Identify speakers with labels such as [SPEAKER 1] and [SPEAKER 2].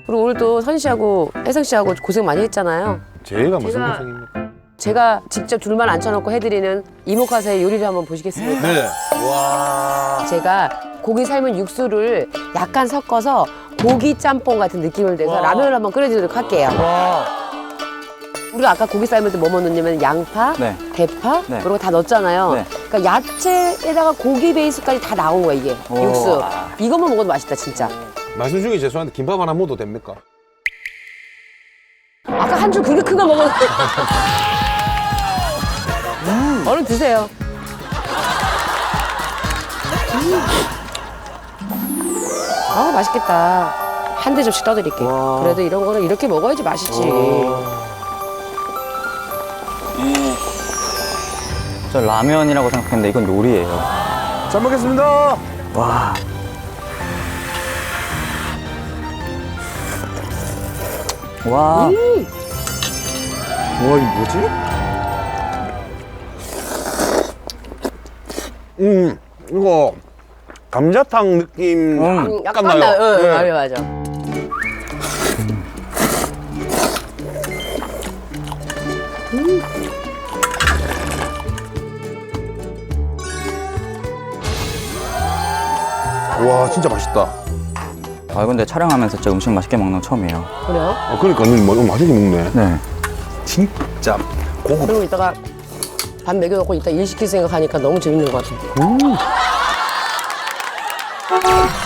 [SPEAKER 1] 그리고 오늘 또 선희 씨하고 혜성 씨하고 고생 많이 했잖아요.
[SPEAKER 2] 제가 무슨 고생입니까?
[SPEAKER 1] 제가 직접 줄만 앉혀놓고 해드리는 이모카세의 요리를 한번 보시겠습니까?
[SPEAKER 2] 네. 와.
[SPEAKER 1] 제가 고기 삶은 육수를 약간 섞어서 고기 짬뽕 같은 느낌을 내서
[SPEAKER 2] 와.
[SPEAKER 1] 라면을 한번 끓여주도록 할게요. 우리가 아까 고기 삶을 때 뭐 넣냐면 양파,
[SPEAKER 3] 네.
[SPEAKER 1] 대파
[SPEAKER 3] 네.
[SPEAKER 1] 이런 거 다 넣었잖아요.
[SPEAKER 3] 네.
[SPEAKER 1] 그러니까 야채에다가 고기 베이스까지 다 나온 거야 이게
[SPEAKER 3] 오.
[SPEAKER 1] 육수. 이것만 먹어도 맛있다 진짜.
[SPEAKER 2] 말씀 중에 죄송한데 김밥 하나 먹어도 됩니까?
[SPEAKER 1] 아까 한 줄 그게 큰 거 먹었는데. 얼른 드세요. 아 맛있겠다. 한 대접씩 떠드릴게.
[SPEAKER 2] 와.
[SPEAKER 1] 그래도 이런 거는 이렇게 먹어야지 맛있지.
[SPEAKER 3] 저 라면이라고 생각했는데 이건 요리예요.
[SPEAKER 2] 잘 먹겠습니다.
[SPEAKER 3] 와. 와.
[SPEAKER 2] 와, 이거 뭐지? 이거 감자탕 느낌
[SPEAKER 1] 약간
[SPEAKER 2] 나요.
[SPEAKER 1] 나,
[SPEAKER 2] 네.
[SPEAKER 1] 맞아.
[SPEAKER 2] 와, 진짜 맛있다.
[SPEAKER 3] 아 근데 촬영하면서 진짜 음식 맛있게 먹는 거 처음이에요.
[SPEAKER 1] 그래요?
[SPEAKER 2] 그러니까 너무 맛있게 먹네.
[SPEAKER 3] 네.
[SPEAKER 2] 진짜 고급.
[SPEAKER 1] 그리고 이따가 밥 먹여놓고 이따 일 시킬 생각하니까 너무 재밌는 것 같아.